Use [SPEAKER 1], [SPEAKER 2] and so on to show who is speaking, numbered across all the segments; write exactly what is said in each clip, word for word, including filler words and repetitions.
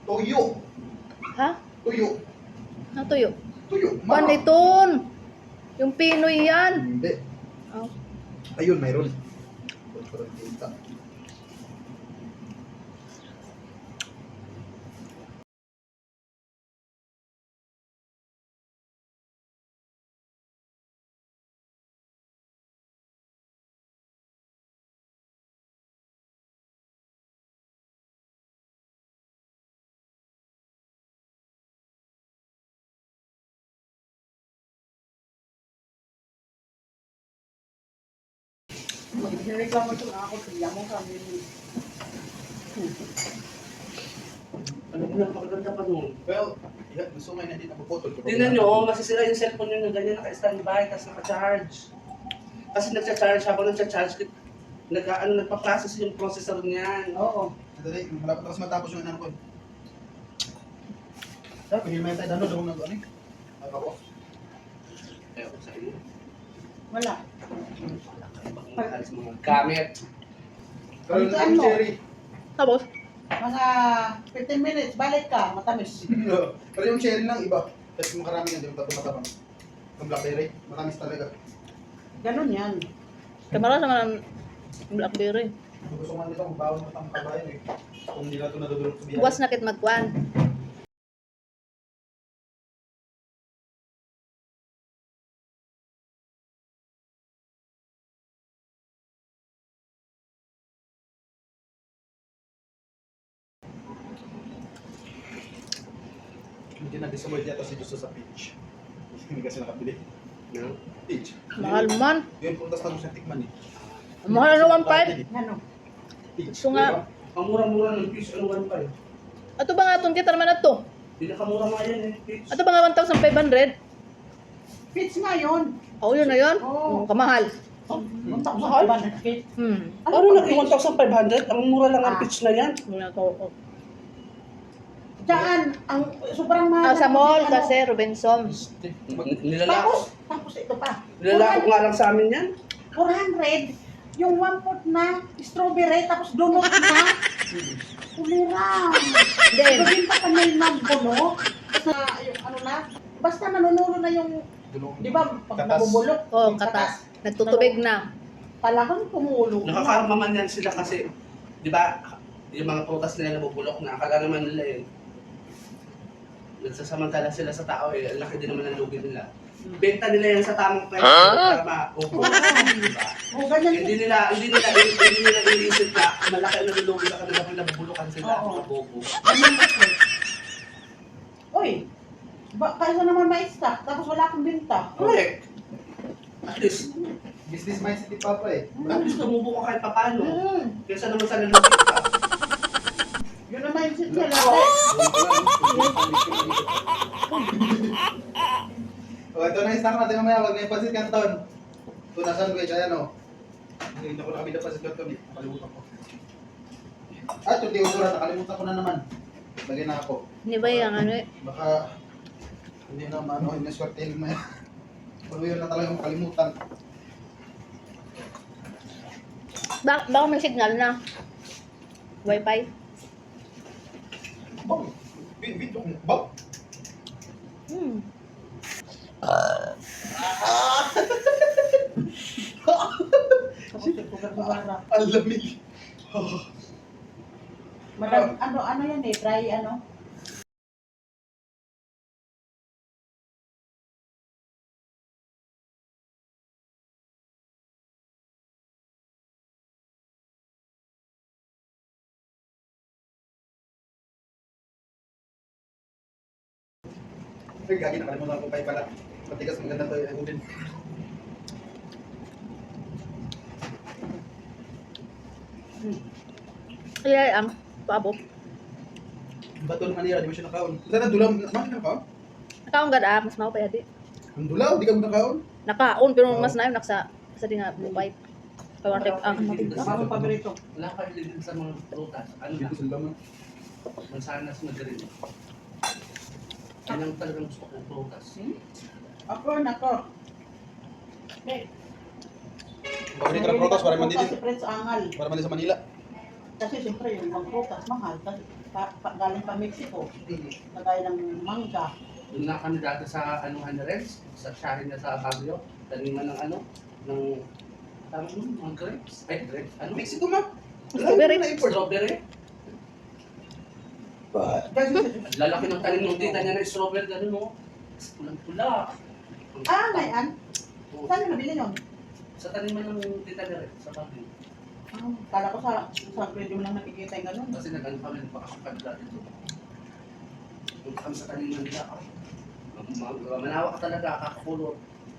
[SPEAKER 1] Tuyo.
[SPEAKER 2] Ha?
[SPEAKER 1] Tuyo.
[SPEAKER 2] Ano tuyo?
[SPEAKER 1] Tuyo.
[SPEAKER 2] Paniton! Yung Pinoy yan.
[SPEAKER 1] Hindi.
[SPEAKER 2] Oh.
[SPEAKER 1] Ayun, mayroon. Parang kita.
[SPEAKER 3] Nireklamo ito na ako, kaya mo kami.
[SPEAKER 4] Ano ko napakaganda pa nun?
[SPEAKER 1] Well, yeah, gusto nga na din napuputol.
[SPEAKER 4] Tingnan nyo, oh, masisira yung cellphone nyo na ganyan, naka-standby, tapos naka-charge. Kasi nagcha-charge, habang nagcha-charge, nag, ano, nagpa-process yung processor niyan.
[SPEAKER 3] Oo.
[SPEAKER 1] Dali, malapit na kasi matapos yung ano ko. Sabi, hindi may tayo dano, daw nag ano eh. Ako.
[SPEAKER 4] Ayaw ko sa iyo.
[SPEAKER 3] Wala.
[SPEAKER 4] Alis mga gamit.
[SPEAKER 1] Pero
[SPEAKER 3] Ito
[SPEAKER 1] yung
[SPEAKER 3] ano?
[SPEAKER 1] cherry.
[SPEAKER 2] Tapos?
[SPEAKER 3] Mga fifteen minutes, balik ka, matamis.
[SPEAKER 1] Pero yung cherry lang iba. Kasi makarami yan, di mo tapos matapang. Yung blackberry, matamis talaga.
[SPEAKER 3] Ganon yan.
[SPEAKER 2] Kamara naman ang Blackberry.
[SPEAKER 1] Kung gusto nga nito, magbawang matang kabayan eh. Kung hindi na ito nadudulog sa biyahe.
[SPEAKER 2] Buwas na kit magkuhan.
[SPEAKER 1] Hindi na-disavoid yata si Justo sa peach. Hindi kasi nakabili.
[SPEAKER 4] No?
[SPEAKER 1] Peach.
[SPEAKER 2] Mahal man.
[SPEAKER 1] Yun, puntas na sa tikman eh.
[SPEAKER 2] Ang mahal ano one five?
[SPEAKER 3] Ano?
[SPEAKER 1] Peach.
[SPEAKER 2] Gusto nga.
[SPEAKER 4] Ang mura-mura ng fish, ano one five?
[SPEAKER 2] Ato ba nga itong kita naman na to?
[SPEAKER 4] Pinakamura nga yan eh, fish.
[SPEAKER 2] Ato ba nga one thousand five hundred?
[SPEAKER 3] Fits nga yun.
[SPEAKER 2] Oo, yun na yun.
[SPEAKER 3] Oo.
[SPEAKER 2] Oh, kamahal.
[SPEAKER 3] Muntak sa iba na fit.
[SPEAKER 2] Hmm.
[SPEAKER 4] Ano nag one thousand five hundred? Ang mura lang ang
[SPEAKER 3] Ah.
[SPEAKER 4] fish na yan.
[SPEAKER 2] Yun na to. Oh.
[SPEAKER 3] Diyan, ang sobrang mahal.
[SPEAKER 2] Ah, sa
[SPEAKER 3] na-
[SPEAKER 2] mall
[SPEAKER 3] ano.
[SPEAKER 2] kasi, Robinson.
[SPEAKER 4] Nilalako.
[SPEAKER 3] Tapos, tapos ito pa.
[SPEAKER 4] Nilalako nga lang sa amin yan.
[SPEAKER 3] four hundred. Yung one foot na strawberry, tapos donut na. Kumira.
[SPEAKER 2] Then,
[SPEAKER 3] Pagkinta ka na yung nagbuno. Na, yung ano na. Basta nanunulo na yung, di ba, pag
[SPEAKER 1] Katas.
[SPEAKER 3] nabubulok.
[SPEAKER 2] oh,
[SPEAKER 3] yung
[SPEAKER 2] katas. Nagtutubig na.
[SPEAKER 3] Talagang tumulo.
[SPEAKER 4] Nakakaramaman yan sila kasi, di ba, yung mga prutas nila nabubulok na, akala naman nila eh, nagsasamantala sila sa tao eh, ang laki din naman ang lugi nila. Benta nila yan sa tamang presyo para ma-upo. Diba?
[SPEAKER 3] O, ganyan.
[SPEAKER 4] Hindi nila, hindi nila, hindi nila iniisip na malaki ang nalulugi sa kanila kung nabubulukan sila,
[SPEAKER 3] Oo.
[SPEAKER 4] mga bobo.
[SPEAKER 3] Ganyan kasi. Uy, ba, kaysa naman ma-stock, tapos wala akong binta.
[SPEAKER 4] Correct. At least,
[SPEAKER 1] Business mindset ni Papa eh.
[SPEAKER 4] at least tumubo ka kahit papano.
[SPEAKER 3] Mm.
[SPEAKER 4] Kaysa naman sa nalulugi ka.
[SPEAKER 3] Yun ang mindset nila.
[SPEAKER 1] O, ito na yung snack natin mamaya. Huwag na yung pasit canton. Ito na sandwich. Ayan o. Hindi ko nakabili ng pasit canton eh. Nakalimutan ko. At yung deodorant. Nakalimutan ko na naman. Lagyan na ako.
[SPEAKER 2] Hindi ba yung ano eh?
[SPEAKER 1] Baka hindi na maano. Hindi na swertein mo yan. Pero yun na talagang kalimutan.
[SPEAKER 2] Bak baka may signal na. Wi-Fi.
[SPEAKER 1] Bang! Video ko. Bang!
[SPEAKER 2] Hmm.
[SPEAKER 1] Ang lamig.
[SPEAKER 3] Madam, ano, ano yan eh, dry ano?
[SPEAKER 1] Ay, gagi, nakalimutan ko kayo pala. Matigas, maganda to yung din.
[SPEAKER 2] Ay, ang paabo.
[SPEAKER 1] Bato ng Manila, di mo siya nakaon. Sana dulaw, naman na nakaon?
[SPEAKER 2] Nakaon gad ah, mas mao pa yadi.
[SPEAKER 1] Ang dulaw, di ka mo nakaon?
[SPEAKER 2] Nakaon pero mas nayon naksa sa di nga white. Kaya tip ang
[SPEAKER 3] Ako ang paborito.
[SPEAKER 4] Wala kayo din sa mga prutas. Ano
[SPEAKER 1] Hindi
[SPEAKER 4] na?
[SPEAKER 1] ko sila man.
[SPEAKER 4] Mansanas na green. Yan ang talagang gusto kong prutas.
[SPEAKER 3] Ako, nako. Eh,
[SPEAKER 1] Paborito ng protas para mandi
[SPEAKER 3] Kasi
[SPEAKER 1] din.
[SPEAKER 3] Prince Angal.
[SPEAKER 1] Para mandi sa Manila.
[SPEAKER 3] Kasi siyempre yung mga prutas mahal. Kasi pa, pa, galing pa Mexico. Kagaya ng mangga.
[SPEAKER 4] Doon na kami dati sa anuhan na rin, sa shahin na sa Baguio. Taniman ng ano, ng tawag mo, mga grapes. Ay, grapes. Ano?
[SPEAKER 1] Mexico ma.
[SPEAKER 2] Strawberry.
[SPEAKER 1] Na import.
[SPEAKER 4] Strawberry.
[SPEAKER 3] Kasi,
[SPEAKER 4] Lalaki ng tanim ng tita niya na strawberry, gano'n no? Pulang-pula.
[SPEAKER 3] ah, ngayon?
[SPEAKER 4] Oo.
[SPEAKER 3] Saan yung nabili yun?
[SPEAKER 4] Sa taniman ng tita niya rin, sa Baguio.
[SPEAKER 3] Ah, kala ko sa, sa video mo lang nakikita yung gano'n.
[SPEAKER 4] Kasi nag-ano kami, nagpakasukad dati ito. Punta kami sa taniman nila. Ma- ma- Manawa ka talaga, kakakulot.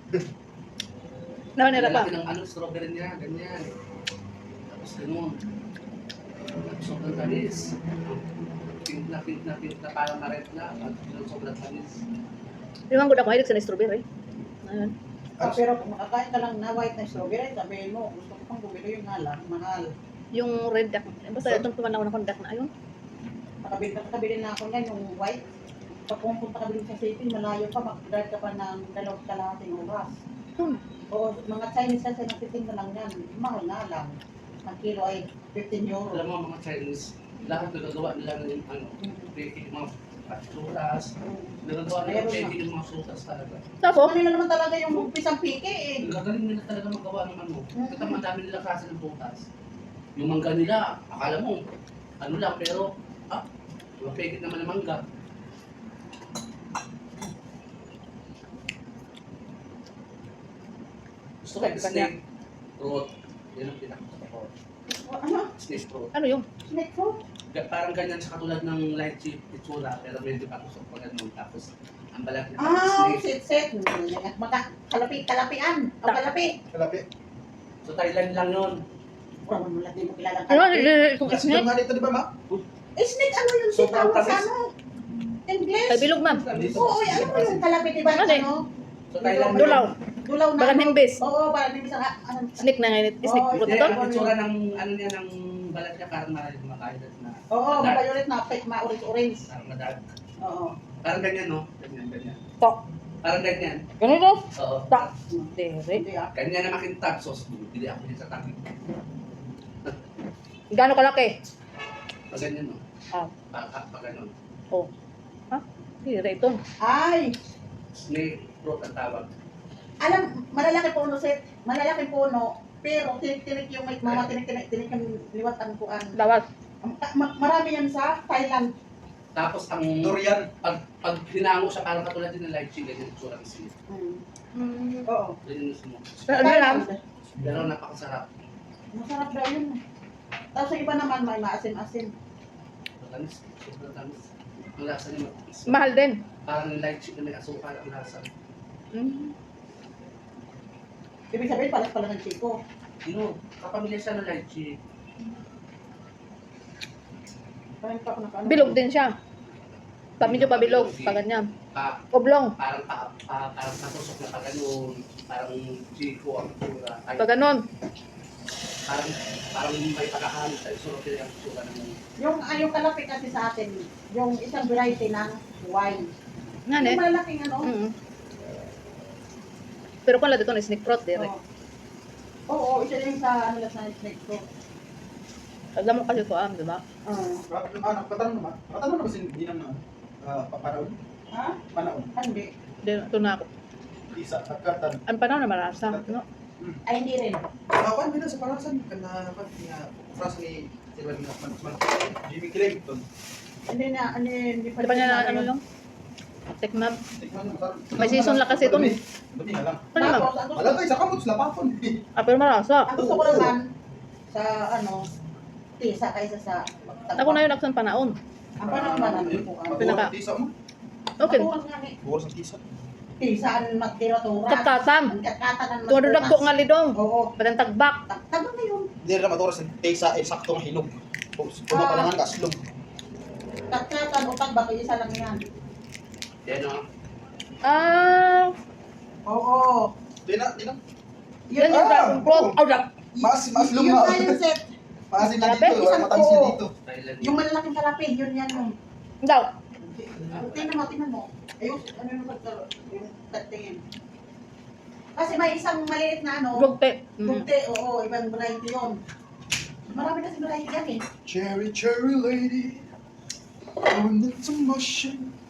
[SPEAKER 2] Naman nila pa.
[SPEAKER 4] Lalaki ng ano, strawberry niya, ganyan. Tapos ganun. Sobrang tamis. Pink na pink na pink na parang maret na. At yun, sobrang tamis.
[SPEAKER 2] Limang good ako mahilig sa strawberry. Ayun.
[SPEAKER 3] Ah, pero kung makakain ka lang na white na strawberry, sabihin mo, gusto ko pang bumili yung nga lang, mahal.
[SPEAKER 2] Yung red duck. Eh, basta itong pumanaw na kondak na ayun.
[SPEAKER 3] Nakabili, nakabili na ako niyan, yung white. Pag pumunta ka bilhin sa city, malayo pa, mag-drive ka pa ng dalawang kalahating oras.
[SPEAKER 2] Hmm.
[SPEAKER 3] O mga Chinese kasi nagtitinda lang yan, mahal na lang. Ang kilo ay fifteen euro.
[SPEAKER 4] Alam mo mga Chinese, lahat nagagawa nila ng ano, baking mga paturas. Nagagawa nila
[SPEAKER 3] Meron na.
[SPEAKER 4] baking ng mga sutas talaga.
[SPEAKER 2] Tapos,
[SPEAKER 3] Kanila naman talaga yung pisang piki eh.
[SPEAKER 4] Gagaling nila talaga magawa ng ano. Kita mo, ang dami nila klase ng butas. Yung mangga nila, akala mo, ano lang, pero, ah, mapigit naman ng mangga. Gusto ko yung snake fruit. Yan ang pinakagusto ko.
[SPEAKER 3] O, ano?
[SPEAKER 4] Snake fruit.
[SPEAKER 2] ano yung?
[SPEAKER 3] Snake fruit?
[SPEAKER 4] Ga- Parang ganyan siya katulad ng light chip itsura, pero medyo patusok pa ganun. Tapos, ang balat niya parang
[SPEAKER 3] Ah,
[SPEAKER 4] snake.
[SPEAKER 3] sit-sit. Maka, kalapi, kalapian. O kalapi.
[SPEAKER 1] Kalapi.
[SPEAKER 4] So, Thailand lang yun.
[SPEAKER 3] Wala mo lang, di mo kilala
[SPEAKER 2] Ano?
[SPEAKER 3] kalapi.
[SPEAKER 2] Itong
[SPEAKER 1] Kasi
[SPEAKER 2] snake?
[SPEAKER 1] nga dito di ba ma?
[SPEAKER 3] Eh, snake ano yung
[SPEAKER 4] Sobrang
[SPEAKER 3] sitaw sa
[SPEAKER 4] tamis.
[SPEAKER 3] ano? English?
[SPEAKER 2] Ay, bilog ma'am.
[SPEAKER 3] Oo, eh, ano mo yung kalapi, di ba?
[SPEAKER 2] Ano eh?
[SPEAKER 3] Ano?
[SPEAKER 4] So, Thailand
[SPEAKER 2] Dulaw.
[SPEAKER 3] Dulaw na.
[SPEAKER 2] Bagan
[SPEAKER 3] ano?
[SPEAKER 2] himbis.
[SPEAKER 3] Oo, parang himbis ang ano.
[SPEAKER 2] Snake na ngayon. Snake
[SPEAKER 3] Oo,
[SPEAKER 2] fruit
[SPEAKER 4] Hindi,
[SPEAKER 2] ito?
[SPEAKER 4] ang itsura ng, ano niya, ng balat niya, parang marami kumakain na.
[SPEAKER 3] Oo,
[SPEAKER 4] Dark.
[SPEAKER 3] mabay na, fake, ma-orange-orange.
[SPEAKER 4] Parang madag.
[SPEAKER 3] Oo.
[SPEAKER 4] Parang ganyan, no? Ganyan, ganyan.
[SPEAKER 2] Tok.
[SPEAKER 4] Parang ganyan.
[SPEAKER 2] Ganito?
[SPEAKER 4] Oo.
[SPEAKER 2] Tok. Dere.
[SPEAKER 3] Hindi ah.
[SPEAKER 4] Ganyan na makintab sauce. Bili ako din sa tabi.
[SPEAKER 2] Gano'ng kalaki?
[SPEAKER 4] Pag ganyan, no?
[SPEAKER 2] Ah.
[SPEAKER 4] Pag, pag, pag ganun.
[SPEAKER 2] Oh. Ha? Dere ito.
[SPEAKER 3] Ay,
[SPEAKER 4] Snake fruit ang tawag.
[SPEAKER 3] alam, malalaki puno, set. Malalaki puno. Pero tinik-tinik yung may mga tinik-tinik, tinik yung liwat ang kuan.
[SPEAKER 2] Dawat.
[SPEAKER 3] Ma- Marami yan sa Thailand.
[SPEAKER 4] Tapos ang
[SPEAKER 1] Durian.
[SPEAKER 4] pag, pag hinango siya, parang katulad din ng light chili, ganyan yung itsura ng snake.
[SPEAKER 3] Mm. Oo.
[SPEAKER 4] Ganyan yung smoke.
[SPEAKER 2] Pero ano lang?
[SPEAKER 4] Pero napakasarap.
[SPEAKER 3] Masarap daw yun. Tapos sa iba naman may maasim-asim.
[SPEAKER 4] Matamis. Sobrang tamis. Ang lasa niya matamis.
[SPEAKER 2] Mahal din.
[SPEAKER 4] Parang yung light chili na may asukal ang lasa.
[SPEAKER 2] Mm.
[SPEAKER 3] Ibig sabihin, palas pala ng chiko.
[SPEAKER 4] No, kapamilya siya ng light chili.
[SPEAKER 3] Parang pa ako nakaano.
[SPEAKER 2] Bilog din siya. Pa medyo pabilog. Pa ganyan.
[SPEAKER 4] Pa,
[SPEAKER 2] Oblong.
[SPEAKER 4] parang pa, pa, parang natusok na pa ganun. Parang chiko ang itsura. Ay,
[SPEAKER 2] Pa ganon.
[SPEAKER 4] parang, parang may pagkakamit sa itsura kaya ang itsura ng
[SPEAKER 3] Yung, ay, yung kalapit kasi sa atin, yung isang variety ng wine.
[SPEAKER 2] Nga ne.
[SPEAKER 3] Yung malalaking ano.
[SPEAKER 2] Mm. Pero kung lang dito na snake fruit, dire.
[SPEAKER 3] Oo. Oo, isa din sa ano lang sa snake fruit.
[SPEAKER 2] Alam mo kasi ito, ah, di ba?
[SPEAKER 3] Oo.
[SPEAKER 1] Ah, patanong naman. Patanong na ba si Ginang na ah, papanaon?
[SPEAKER 3] Ha?
[SPEAKER 1] Panaon.
[SPEAKER 3] Hindi.
[SPEAKER 2] Di, ito na ako.
[SPEAKER 1] Isa, agkatan.
[SPEAKER 2] Ang panahon na marasa. No?
[SPEAKER 3] Ay, hindi rin.
[SPEAKER 1] Awan mo na sa parasan. Kana, pag nga, frasa ni Sir Wal na man, Jimmy Clayton.
[SPEAKER 3] Hindi na, ano, hindi
[SPEAKER 2] Di pa niya na ano lang? Tikman.
[SPEAKER 1] Tikman mo, sarap.
[SPEAKER 2] May season lang kasi ito.
[SPEAKER 1] Dumi. Dumi nga lang.
[SPEAKER 2] Ano naman?
[SPEAKER 3] Tapos, ang gusto,
[SPEAKER 1] Malagay sa kamot, lapapon.
[SPEAKER 2] Ah, pero marasa.
[SPEAKER 3] ang gusto ko naman, sa ano, tisa kaysa sa
[SPEAKER 2] Ako na yun aksan panaon.
[SPEAKER 3] Ang panahon ba namin po? Ang
[SPEAKER 2] Pinaka-
[SPEAKER 1] Tisa mo.
[SPEAKER 2] Okay.
[SPEAKER 3] maturas nga ni.
[SPEAKER 1] Bukas ang tisa.
[SPEAKER 3] Tisa ang matira-turas.
[SPEAKER 2] Kapkatam.
[SPEAKER 3] Ang kakatan ang
[SPEAKER 2] Tumadudag ko nga lidong.
[SPEAKER 3] Oo.
[SPEAKER 2] Batang tagbak.
[SPEAKER 3] Tama na yun.
[SPEAKER 1] Hindi rin maturas ang tisa, eh, sakto ang hinog. Puno pa lang ang kaslog.
[SPEAKER 3] Kakatan o tagbak, isa lang yan.
[SPEAKER 4] yan o.
[SPEAKER 2] Ah,
[SPEAKER 3] Oo.
[SPEAKER 1] Di na, di na.
[SPEAKER 2] yan yung
[SPEAKER 1] Ah,
[SPEAKER 2] dragon fruit.
[SPEAKER 1] oo.
[SPEAKER 2] Oh, dak.
[SPEAKER 1] Maas, maas
[SPEAKER 3] Yun
[SPEAKER 1] luma.
[SPEAKER 3] nga yung set.
[SPEAKER 1] Maasin na
[SPEAKER 2] Kalapit,
[SPEAKER 1] dito, wala
[SPEAKER 3] isang
[SPEAKER 1] matamis na
[SPEAKER 3] buo.
[SPEAKER 1] dito.
[SPEAKER 4] Thailand.
[SPEAKER 3] Yung malalaking kalapin, yun yan yung.
[SPEAKER 2] Daw.
[SPEAKER 3] Tingnan mo, tingnan mo. Ayun, ano yung pagkaro, yung tatingin. Kasi may isang maliit na ano,
[SPEAKER 2] Gugte. Mm.
[SPEAKER 3] Gugte, oo, ibang variety yun. Marami kasi variety yan eh.
[SPEAKER 1] Cherry, cherry lady. Oh, it's a motion.